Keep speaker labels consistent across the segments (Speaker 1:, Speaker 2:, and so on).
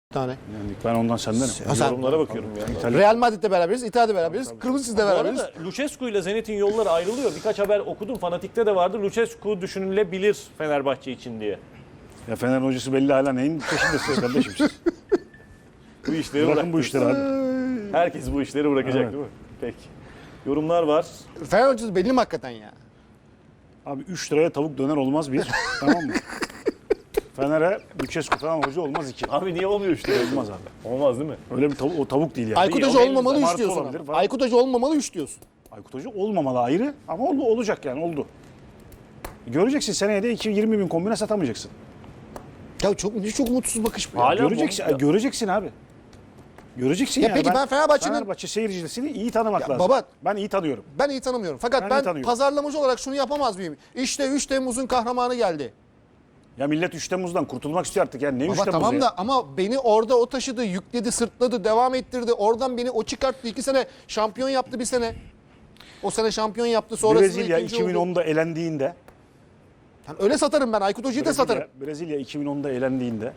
Speaker 1: tane.
Speaker 2: Yani ben ondan sendenim.
Speaker 1: Sen-
Speaker 3: Yorumlara bakıyorum ya.
Speaker 1: Real Madrid'de beraberiz, İtalya'da beraberiz, Kırmızı Çiz'de
Speaker 3: Bu
Speaker 1: beraberiz.
Speaker 3: arada Lucescu ile Zenit'in yolları ayrılıyor. Birkaç haber okudum. Fanatik'te de vardı. Lucescu düşünülebilir Fenerbahçe için diye.
Speaker 2: Ya Fener hocası belli hala neyin peşindesiniz kardeşim siz.
Speaker 3: Bu işleri
Speaker 2: Bırakın bu
Speaker 3: bıraktınız.
Speaker 2: işleri abi.
Speaker 3: Herkes bu işleri bırakacak
Speaker 2: Evet.
Speaker 3: değil mi? Peki. Yorumlar var.
Speaker 1: Fener hocası belli mi hakikaten ya?
Speaker 2: Abi 3 liraya tavuk döner olmaz bir. Tamam mı? Fener'e Lucescu falan hoca olmaz 2.
Speaker 3: Abi niye olmuyor işte?
Speaker 2: Olmaz abi.
Speaker 3: Olmaz değil mi?
Speaker 2: Öyle bir tavuk, o tavuk değil yani.
Speaker 1: Aykut
Speaker 3: iyi,
Speaker 1: Hoca
Speaker 3: o
Speaker 1: olmamalı
Speaker 2: benim
Speaker 1: 3
Speaker 2: zamanı
Speaker 1: diyorsun.
Speaker 2: olabilir
Speaker 1: ama.
Speaker 2: falan.
Speaker 1: Aykut Hoca olmamalı 3 diyorsun.
Speaker 2: Aykut Hoca olmamalı ayrı ama olacak yani oldu. Göreceksin seneye de 20 bin kombine satamayacaksın.
Speaker 1: Ya çok umutsuz bakış bu ya.
Speaker 3: Hala
Speaker 2: Göreceksin,
Speaker 3: bu-
Speaker 2: göreceksin abi. Göreceksin
Speaker 1: Ya
Speaker 2: yani.
Speaker 1: peki ben Fenerbahçe'nin-
Speaker 2: Fenerbahçe seyircisini iyi tanımak lazım.
Speaker 1: baba-
Speaker 2: Ben iyi tanıyorum.
Speaker 1: Ben iyi tanımıyorum. Fakat
Speaker 2: Ben iyi
Speaker 1: ben
Speaker 2: tanıyorum.
Speaker 1: pazarlamacı olarak şunu yapamaz mıyım? İşte 3 Temmuz'un kahramanı geldi.
Speaker 2: Ya millet 3 Temmuz'dan kurtulmak istiyor artık yani. Ne 3
Speaker 1: Baba
Speaker 2: Temmuz'u
Speaker 1: tamam
Speaker 2: ya?
Speaker 1: da ama beni orada o taşıdı, yükledi, sırtladı, devam ettirdi. Oradan beni o çıkarttı. 2 sene şampiyon yaptı bir sene. O sene şampiyon yaptı. Sonrasında
Speaker 2: Brezilya
Speaker 1: ikinci oldu.
Speaker 2: 2010'da elendiğinde
Speaker 1: Yani öyle satarım ben. Aykut Hoca'yı da satarım.
Speaker 2: Brezilya 2010'da elendiğinde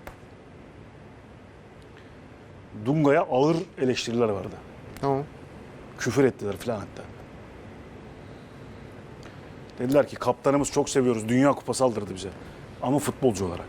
Speaker 2: Dunga'ya ağır eleştiriler vardı.
Speaker 1: Tamam.
Speaker 2: Küfür ettiler falan hatta. Dediler ki kaptanımız çok seviyoruz. Dünya Kupası aldırdı bize. Ama futbolcu olarak.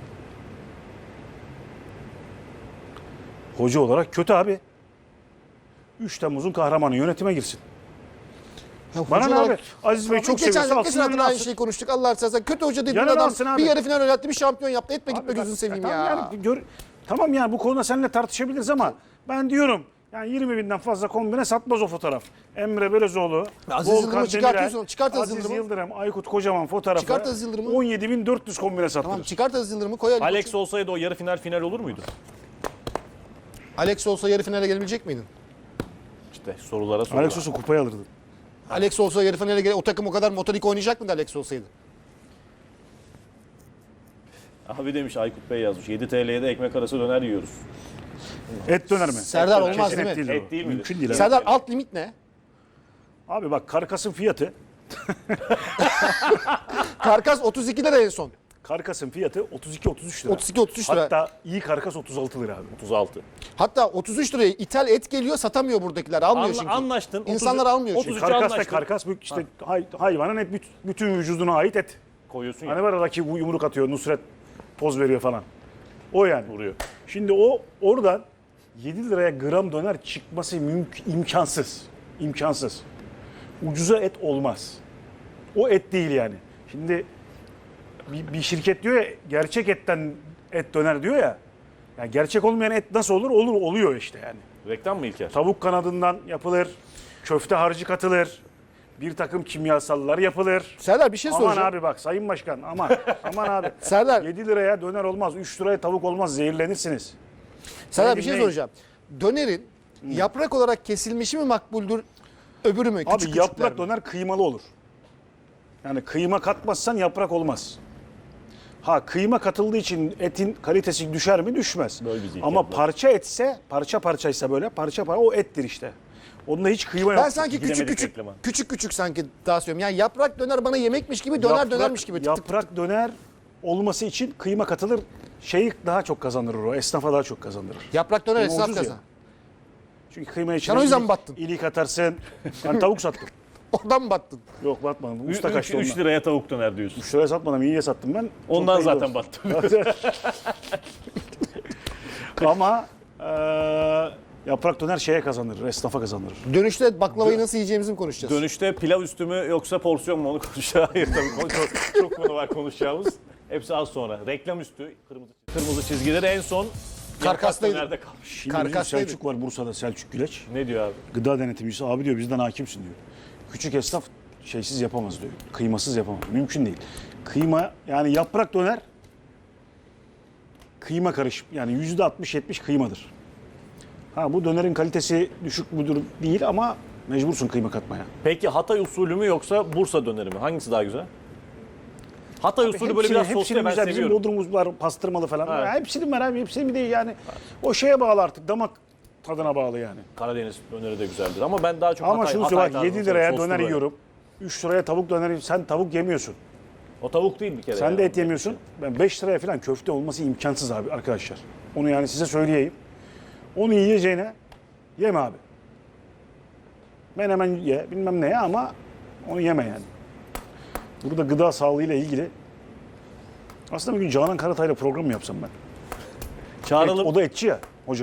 Speaker 2: Hoca olarak kötü abi. 3 Temmuz'un kahramanı yönetime girsin.
Speaker 1: Ya
Speaker 2: Bana
Speaker 1: hoca
Speaker 2: ne
Speaker 1: olarak-
Speaker 2: abi? Aziz Bey
Speaker 1: Abi
Speaker 2: çok
Speaker 1: geçen
Speaker 2: seviyorsa alsın
Speaker 1: hafta
Speaker 2: önüne
Speaker 1: aynı
Speaker 2: alsın.
Speaker 1: şeyi konuştuk. Allah seversen kötü hoca dediğin
Speaker 2: Yanına
Speaker 1: adam
Speaker 2: alsın abi.
Speaker 1: bir yarı final oynattı, bir şampiyon yaptı. Etme gitme
Speaker 2: Abi
Speaker 1: gözünü
Speaker 2: bak,
Speaker 1: seveyim
Speaker 2: tamam
Speaker 1: ya.
Speaker 2: yani tamam yani bu konuda seninle tartışabiliriz ama ben diyorum yani 20 binden fazla kombine satmaz o fotoğraf. Emre Belözoğlu,
Speaker 1: Aziz
Speaker 2: Volkan
Speaker 1: Yıldırım'ı
Speaker 2: Demirel,
Speaker 1: çıkartıyorsun. Çıkart Aziz
Speaker 2: Aziz
Speaker 1: Yıldırım'ı.
Speaker 2: Yıldırım, Aykut Kocaman fotoğrafı
Speaker 1: Çıkart Aziz Yıldırım'ı.
Speaker 2: 17.400 kombine sattırır.
Speaker 1: Tamam çıkart Aziz Yıldırım'ı koy Ali
Speaker 3: Alex
Speaker 1: Koç'u.
Speaker 3: olsaydı o yarı final olur muydu?
Speaker 1: Alex olsa yarı finale gelebilecek miydin?
Speaker 3: İşte sorulara sorular.
Speaker 2: Alex olsa kupayı alırdı.
Speaker 1: Alex olsa yarı finale o takım o kadar motorik oynayacak mıydı Alex olsaydı?
Speaker 3: Abi demiş Aykut Bey yazmış. 7 TL'ye de ekmek arası döner yiyoruz.
Speaker 2: Et döner mi?
Speaker 1: Serdar
Speaker 2: Et
Speaker 1: olmaz
Speaker 2: kesin
Speaker 1: değil mi?
Speaker 2: et değil,
Speaker 3: Et değil mi?
Speaker 2: Mümkün değil abi.
Speaker 1: Serdar alt limit ne?
Speaker 2: Abi bak karkasın fiyatı
Speaker 1: Karkas 32 lira en son.
Speaker 2: Karkasın fiyatı 32-33 lira.
Speaker 1: 32-33 lira.
Speaker 2: Hatta iyi karkas 36 lira abi.
Speaker 3: 36.
Speaker 1: Hatta 33 liraya ithal et geliyor, satamıyor buradakiler. Almıyor çünkü.
Speaker 3: Anlaştın.
Speaker 1: İnsanlar almıyor çünkü.
Speaker 3: 33'e
Speaker 2: Karkas da
Speaker 3: anlaştın.
Speaker 2: karkas işte hayvanın et bütün vücuduna ait et.
Speaker 3: Koyuyorsun
Speaker 2: Hani
Speaker 3: ya.
Speaker 2: var rakip yumruk atıyor, Nusret poz veriyor falan. O yani.
Speaker 3: Vuruyor.
Speaker 2: Şimdi oradan 7 liraya gram döner çıkması imkansız. İmkansız. Ucuza et olmaz. O et değil yani. Şimdi bir şirket diyor ya gerçek etten et döner diyor ya. Yani gerçek olmayan et nasıl olur? Oluyor işte yani.
Speaker 3: Reklam mı İlker?
Speaker 2: Tavuk kanadından yapılır. Köfte harcı katılır. Bir takım kimyasallar yapılır.
Speaker 1: Serdar bir şey
Speaker 2: Aman
Speaker 1: soracağım.
Speaker 2: abi bak Sayın Başkan aman abi.
Speaker 1: Serdar.
Speaker 2: 7 liraya döner olmaz. 3 liraya tavuk olmaz. Zehirlenirsiniz.
Speaker 1: Serdar
Speaker 2: Beni
Speaker 1: bir şey
Speaker 2: dinleyin.
Speaker 1: soracağım. Dönerin yaprak olarak kesilmişi mi makbuldür, öbürü mü?
Speaker 2: Abi yaprak
Speaker 1: küçükler mi?
Speaker 2: döner kıymalı olur. Yani kıyma katmazsan yaprak olmaz. Ha kıyma katıldığı için etin kalitesi düşer mi? Düşmez.
Speaker 3: Böyle bir zihniyet
Speaker 2: Ama
Speaker 3: var.
Speaker 2: parça etse, parça parçaysa böyle parça o ettir işte. Onda hiç kıyma yok.
Speaker 1: Ben sanki
Speaker 3: Gidemedik reklama.
Speaker 1: küçük sanki daha söylüyorum. Yani yaprak döner bana yemekmiş gibi, döner dönermiş gibi. Tık tık.
Speaker 2: Yaprak döner olması için kıyma katılır. Şeyi daha çok kazandırır o. Esnafa daha çok kazandırır.
Speaker 1: Yaprak döner
Speaker 2: Kıyma
Speaker 1: esnaf
Speaker 2: ucuz ya.
Speaker 1: kazan.
Speaker 2: Çünkü kıyma içine
Speaker 1: o yüzden mi battın?
Speaker 2: ilik atarsın. Ben tavuk sattım.
Speaker 1: Oradan mı battın?
Speaker 2: Yok batmadım. Usta kaçtı
Speaker 3: 3
Speaker 2: ondan.
Speaker 3: liraya tavuk döner diyorsun.
Speaker 2: 3 liraya satmadım. İyiye sattım ben. Çok
Speaker 3: Ondan
Speaker 2: da iyi
Speaker 3: zaten
Speaker 2: oldu.
Speaker 3: battım.
Speaker 2: Ama yaprak döner şeye kazandırır. Esnafa kazandırır.
Speaker 1: Dönüşte baklavayı nasıl yiyeceğimizi mi konuşacağız?
Speaker 3: Dönüşte pilav üstü mü yoksa porsiyon mu onu konuşacağız. Hayır tabii çok konu var konuşacağımız. Hepsi az sonra. Reklam üstü kırmızı çizgileri en son
Speaker 1: Karkastaydı.
Speaker 3: nerede kalmış?
Speaker 2: Şimdi bizim
Speaker 1: Karkastaydı.
Speaker 2: Selçuk var Bursa'da, Selçuk Güleç.
Speaker 3: Ne diyor abi?
Speaker 2: Gıda denetimcisi abi diyor bizden hakimsin diyor. Küçük esnaf şeysiz yapamaz diyor. Kıymasız yapamaz. Mümkün değil. Kıyma yani yaprak döner kıyma karışım. Yani %60-70 kıymadır. Ha bu dönerin kalitesi düşük müdür değil ama mecbursun kıyma katmaya.
Speaker 3: Peki Hatay usulü mü yoksa Bursa döneri mi? Hangisi daha güzel? Hatay usulü böyle biraz soslu ben
Speaker 2: güzel. Bizim
Speaker 3: seviyorum.
Speaker 2: Bodrumumuz var pastırmalı falan.
Speaker 3: Evet.
Speaker 2: Ya hepsinin var abi. Hepsinin bir de yani o şeye bağlı artık. Damak tadına bağlı yani.
Speaker 3: Karadeniz döneri de güzeldir ama ben daha çok
Speaker 2: Ama
Speaker 3: Hatay,
Speaker 2: şunu
Speaker 3: Hatay
Speaker 2: söyle bak
Speaker 3: tarzını
Speaker 2: 7 liraya
Speaker 3: soslu
Speaker 2: döner
Speaker 3: böyle.
Speaker 2: yiyorum. 3 liraya tavuk döner sen tavuk yemiyorsun.
Speaker 3: O tavuk değil bir kere.
Speaker 2: Sen
Speaker 3: yani.
Speaker 2: de et yemiyorsun. Ben 5 liraya falan köfte olması imkansız abi arkadaşlar. Onu yani size söyleyeyim. Onu yiyeceğine yeme abi. Menemen ye bilmem ne ya ama onu yeme yani. Burada gıda sağlığıyla ilgili aslında bir gün Canan Karatay'la program mı yapsam ben?
Speaker 3: Çağıralım.
Speaker 2: O da etçi ya hoca.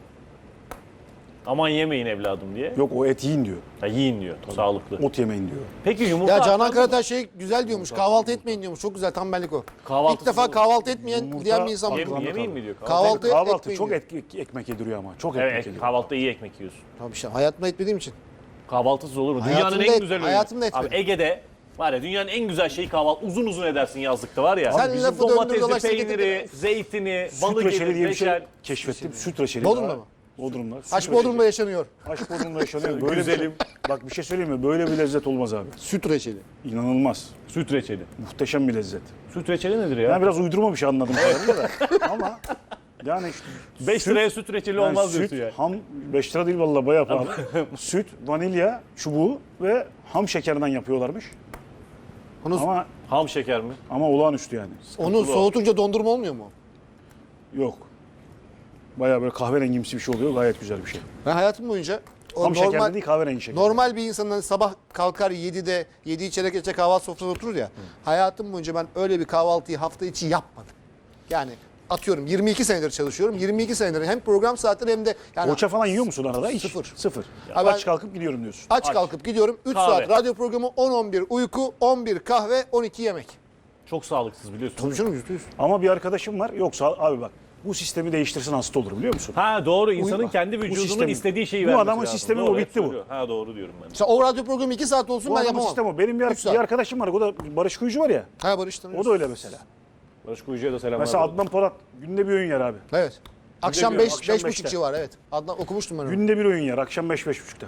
Speaker 3: Aman yemeyin evladım diye.
Speaker 2: Yok o et yiyin diyor.
Speaker 3: Ya yiyin diyor. Sağlıklı.
Speaker 2: Ot yemeyin diyor.
Speaker 3: Peki yumurta
Speaker 1: Ya Canan
Speaker 3: atlar mı?
Speaker 1: Karatay şey güzel diyormuş. Kahvaltı etmeyin diyormuş. Çok güzel tam benlik o.
Speaker 3: Kahvaltısız
Speaker 1: İlk defa
Speaker 3: olur.
Speaker 1: kahvaltı etmeyen
Speaker 2: Yumurta-
Speaker 1: diyen bir insan var.
Speaker 3: Yemeyin mi diyor?
Speaker 1: Kahvaltı
Speaker 2: Kahvaltı
Speaker 1: etmeyin
Speaker 2: çok
Speaker 1: diyor.
Speaker 2: ekmek yediriyor ama. Çok ekmek
Speaker 3: Evet,
Speaker 2: yediriyor.
Speaker 3: kahvaltıda iyi ekmek yiyorsun.
Speaker 1: Tabii işte hayatımda etmediğim için.
Speaker 3: Kahvaltısız olur mu? Dünyanın
Speaker 1: Hayatımda
Speaker 3: en
Speaker 1: et-
Speaker 3: güzel öğünü.
Speaker 1: hayatımda
Speaker 3: Abi
Speaker 1: etmedim.
Speaker 3: Ege'de var ya dünyanın en güzel şeyi kahvaltı. Uzun uzun edersin yazlıkta var ya.
Speaker 1: Sen
Speaker 3: Bizim
Speaker 1: lafı döndür
Speaker 3: domatesi,
Speaker 1: dolaş,
Speaker 3: peyniri, zeytini,
Speaker 2: Süt
Speaker 3: balı
Speaker 2: reçeli
Speaker 3: gelir,
Speaker 2: diye bir şey
Speaker 3: reçel.
Speaker 2: keşfettim. Süt reçeli.
Speaker 1: Bodrum'da
Speaker 2: Daha-
Speaker 1: mı?
Speaker 2: Bodrum'da. Süt
Speaker 1: Haç
Speaker 2: reçeli.
Speaker 1: Bodrum'da yaşanıyor.
Speaker 2: Haç Bodrum'da yaşanıyor. Böyle
Speaker 3: Güzelim.
Speaker 2: Bak bir şey söyleyeyim mi? Böyle bir lezzet olmaz abi.
Speaker 1: Süt reçeli.
Speaker 2: İnanılmaz.
Speaker 3: Süt reçeli.
Speaker 2: Muhteşem bir lezzet.
Speaker 3: Süt reçeli nedir ya?
Speaker 2: Yani biraz uydurma bir şey anladım kadarıyla da. Ama yani işte
Speaker 3: 5 liraya süt reçeli
Speaker 2: yani
Speaker 3: olmaz
Speaker 2: süt,
Speaker 3: diyorsun ya.
Speaker 2: ham 5 lira değil vallahi bayağı pahalı. Süt, vanilya çubuğu ve ham şekerinden yapıyorlarmış.
Speaker 1: Onu,
Speaker 3: Ham şeker mi?
Speaker 2: Ama olağanüstü yani.
Speaker 1: onu soğutunca dondurma olmuyor mu?
Speaker 2: Yok. Bayağı böyle kahverengimsi bir şey oluyor. Gayet güzel bir şey.
Speaker 1: Ben hayatım boyunca o
Speaker 2: Ham şekerli
Speaker 1: normal
Speaker 2: değil kahverengi şeker.
Speaker 1: normal bir insanın sabah kalkar 7'de 7'yi çeyrek geçe kahvaltı sofrasında oturur ya. Hayatım boyunca ben öyle bir kahvaltıyı hafta içi yapmadım. Yani atıyorum 22 senedir çalışıyorum. 22 senedir hem program saatleri hem de yani
Speaker 2: Poğaça falan yiyor musun arada? Hiç.
Speaker 1: Sıfır.
Speaker 2: Sıfır.
Speaker 1: Ha, ben-
Speaker 2: Aç kalkıp gidiyorum diyorsun.
Speaker 1: aç kalkıp gidiyorum. 3
Speaker 3: Kahve.
Speaker 1: saat radyo programı, 10-11 uyku, 11 kahve, 12 yemek.
Speaker 3: Çok sağlıksız biliyorsun.
Speaker 1: Tabii canım %100.
Speaker 2: Ama bir arkadaşım var. Yoksa abi bak bu sistemi değiştirsin hasta olur biliyor musun?
Speaker 3: Ha doğru insanın
Speaker 1: Uyuma.
Speaker 3: kendi vücudunun
Speaker 2: sistemi-
Speaker 3: istediği şeyi
Speaker 2: bu
Speaker 3: vermesi
Speaker 2: adamın
Speaker 3: lazım.
Speaker 2: sistemi
Speaker 3: Doğru,
Speaker 2: o, bitti
Speaker 3: hep
Speaker 2: bu.
Speaker 3: söylüyor. Ha doğru diyorum ben.
Speaker 1: Mesela o radyo programı 2 saat olsun
Speaker 2: Bu
Speaker 1: ben
Speaker 2: adamın
Speaker 1: yapamam.
Speaker 2: sistemi o. Benim
Speaker 1: Üç saat.
Speaker 2: bir arkadaşım var. O da Barış Kuyucu var ya.
Speaker 1: Ha Barış tanıyorsun.
Speaker 2: O da öyle mesela.
Speaker 3: Barış Kuyucu'ya da selamlar.
Speaker 2: Mesela
Speaker 3: olsun.
Speaker 2: Adnan Polat günde bir öğün yer abi.
Speaker 1: Evet. Akşam
Speaker 2: bir
Speaker 1: 5
Speaker 2: akşam
Speaker 1: 5.30
Speaker 2: beşte.
Speaker 1: civarı evet. Adnan okumuştum ben onu.
Speaker 2: Günde bir öğün yer. Akşam 5-5.30'da.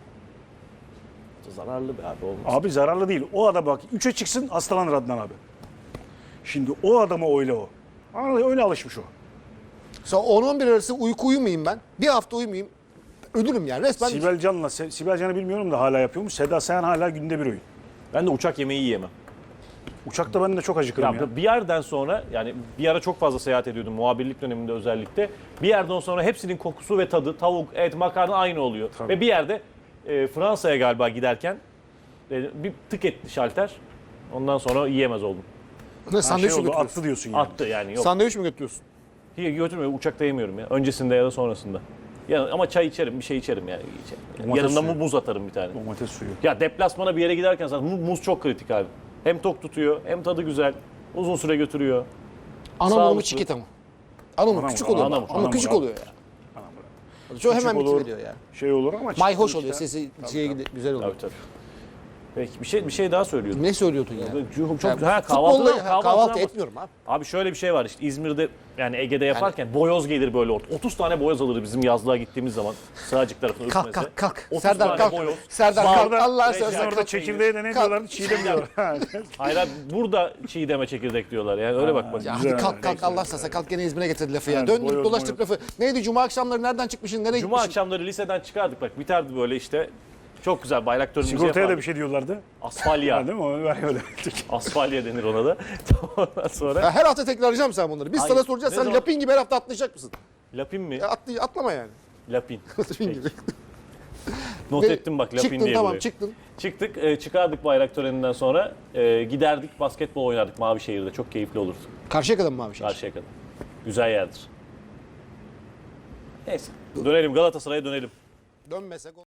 Speaker 3: Zararlı be abi olmaz.
Speaker 2: Abi zararlı değil. O adam bak 3'e çıksın hastalanır Adnan abi. Şimdi o adama öyle o. Öyle alışmış o.
Speaker 1: Mesela 10-11 arası uyku uyumayayım ben. Bir hafta uyumayayım. Ölürüm yani resmen.
Speaker 2: Sibel Can'ı bilmiyorum da hala yapıyormuş. Seda Sayan hala günde bir öğün.
Speaker 3: Ben de uçak yemeği yiyemem.
Speaker 2: Uçakta ben de çok acıkırım ya.
Speaker 3: Bir yerden sonra yani bir ara çok fazla seyahat ediyordum muhabirlik döneminde özellikle. Bir yerden sonra hepsinin kokusu ve tadı tavuk, et, makarna aynı oluyor.
Speaker 2: Tabii.
Speaker 3: Ve bir yerde Fransa'ya galiba giderken bir tık etti şalter. Ondan sonra yiyemez oldum.
Speaker 1: Ne, sandviç mi
Speaker 2: oldu,
Speaker 1: götürüyorsun?
Speaker 2: attı diyorsun yani.
Speaker 3: Attı yani yok.
Speaker 1: Sandviç mi götürüyorsun?
Speaker 3: Hiç götürmüyor uçakta yemiyorum ya. Öncesinde ya da sonrasında. Ya, ama çay içerim bir şey içerim yani. İçerim.
Speaker 2: Domates
Speaker 3: Yanımda
Speaker 2: suyu.
Speaker 3: muz atarım bir tane.
Speaker 2: Domates suyu.
Speaker 3: Ya deplasmana bir yere giderken zaten muz çok kritik abi. Hem tok tutuyor hem tadı güzel. Uzun süre götürüyor.
Speaker 1: Anamur mu
Speaker 3: Sağlıklı.
Speaker 1: çikita mı? Anamur
Speaker 2: Anamur,
Speaker 1: küçük oluyor.
Speaker 3: anamur,
Speaker 1: Ama
Speaker 2: anamur
Speaker 1: küçük
Speaker 2: abi.
Speaker 1: oluyor ya. Çok hemen
Speaker 2: Küçük olur,
Speaker 1: bitiveriyor yani.
Speaker 2: Şey olur ama
Speaker 1: Mayhoş
Speaker 2: çıktı
Speaker 1: oluyor.
Speaker 2: işte.
Speaker 1: Sesi güzel oluyor.
Speaker 3: Tabii tabii. Peki bir şey daha söylüyordum.
Speaker 1: Ne söylüyordun ya?
Speaker 3: Çok
Speaker 1: Yani
Speaker 3: ha,
Speaker 1: futbolla
Speaker 3: kahvaltı
Speaker 1: kahvaltı etmiyorum abi.
Speaker 3: Abi şöyle bir şey var işte İzmir'de yani Ege'de yaparken boyoz gelir böyle orta. 30 tane boyoz alır bizim yazlığa gittiğimiz zaman Sığacık tarafına
Speaker 1: Kalk
Speaker 3: Ürkmez'e.
Speaker 1: kalk kalk.
Speaker 3: 30
Speaker 1: Serdar
Speaker 3: tane
Speaker 1: kalk.
Speaker 3: boyoz.
Speaker 1: Serdar
Speaker 3: Bal-
Speaker 1: kalk. Allah
Speaker 3: Reçel-
Speaker 1: seversen
Speaker 2: Orada
Speaker 1: kalk.
Speaker 2: çekirdeğe de ne diyorlar? Çiğdem diyorlar.
Speaker 3: Hayır abi burada çiğdeme çekirdek diyorlar yani öyle bak bak.
Speaker 1: Ya
Speaker 2: Güzel,
Speaker 1: hadi kalk kalk
Speaker 2: neyse.
Speaker 1: Allah seversen kalk gene İzmir'e getirdi lafı ya.
Speaker 2: Evet,
Speaker 1: Döndük
Speaker 2: boyoz,
Speaker 1: dolaştık lafı. Neydi cuma akşamları nereden çıkmışsın nereye
Speaker 3: Cuma
Speaker 1: gitmişsin?
Speaker 3: akşamları liseden çıkardık bak biterdi böyle işte. Çok güzel bayrak törenimizi
Speaker 2: Sigortaya da
Speaker 3: yapardık.
Speaker 2: bir şey diyorlardı.
Speaker 3: Asfalya.
Speaker 2: Ha, değil mi? Onu ver öyle.
Speaker 3: Asfalya denir ona da. Ondan sonra
Speaker 1: Ya her hafta tekrarlayacağım sen bunları. Biz
Speaker 3: Hayır,
Speaker 1: sana soracağız.
Speaker 3: ne
Speaker 1: Sen
Speaker 3: zaman?
Speaker 1: lapin gibi her hafta atlayacak mısın?
Speaker 3: Lapin mi?
Speaker 1: Ya atlama yani.
Speaker 3: Lapin.
Speaker 1: Lapin gibi.
Speaker 3: Not
Speaker 1: Ve
Speaker 3: ettim bak Lapin
Speaker 1: çıktın,
Speaker 3: diye
Speaker 1: tamam
Speaker 3: buraya.
Speaker 1: çıktın.
Speaker 3: Çıktık, çıkardık bayrak töreninden sonra giderdik basketbol oynardık Mavişehir'de. Çok keyifli olurdu.
Speaker 1: Karşıya kadar mı abi şey?
Speaker 3: Karşıya kadar. Güzel yerdir. Neyse. Dönelim Galatasaray'a dönelim.
Speaker 1: Dönmesek